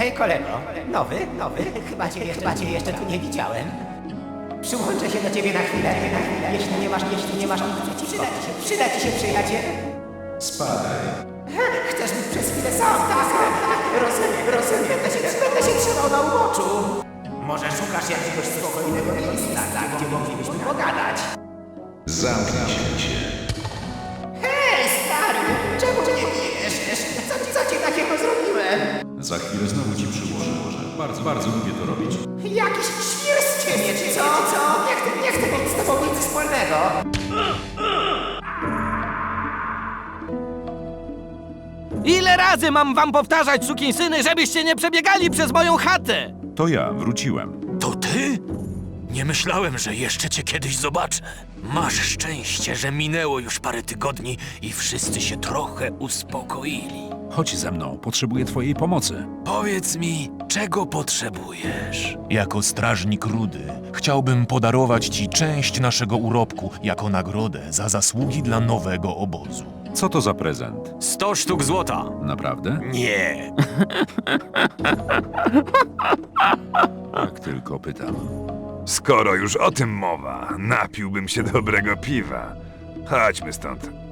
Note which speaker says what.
Speaker 1: Hej kolego, nowy? Chyba cię jeszcze tu nie widziałem. Przyłączę się do ciebie na chwilę, jeśli nie masz nic przeciwko. Przyda ci się przyjaciel.
Speaker 2: Spadaj.
Speaker 1: Chcesz być przez chwilę sam, tak? Rozumiem. Będę się trzymał na uboczu. Może szukasz jakiegoś spokojnego miejsca, gdzie moglibyśmy pogadać.
Speaker 2: Zamknij się.
Speaker 1: Hej, stary! Czemu nie bijesz? Co ci takiego zrobiłem?
Speaker 2: Za chwilę znowu ci przyłożę. Bardzo lubię to robić.
Speaker 1: Jakiś świr z ciebie, czy co? Nie chcę mieć z tobą nic wspólnego.
Speaker 3: Ile razy mam wam powtarzać, sukinsyny, żebyście nie przebiegali przez moją chatę?
Speaker 2: To ja, wróciłem.
Speaker 4: To ty? Nie myślałem, że jeszcze cię kiedyś zobaczę. Masz szczęście, że minęło już parę tygodni i wszyscy się trochę uspokoili.
Speaker 2: Chodź ze mną, potrzebuję twojej pomocy.
Speaker 4: Powiedz mi, czego potrzebujesz? Jako strażnik Rudy chciałbym podarować ci część naszego urobku jako nagrodę za zasługi dla nowego obozu.
Speaker 2: Co to za prezent?
Speaker 4: 100 sztuk złota.
Speaker 2: Naprawdę?
Speaker 4: Nie.
Speaker 2: Tak tylko pytam.
Speaker 5: Skoro już o tym mowa, napiłbym się dobrego piwa. Chodźmy stąd.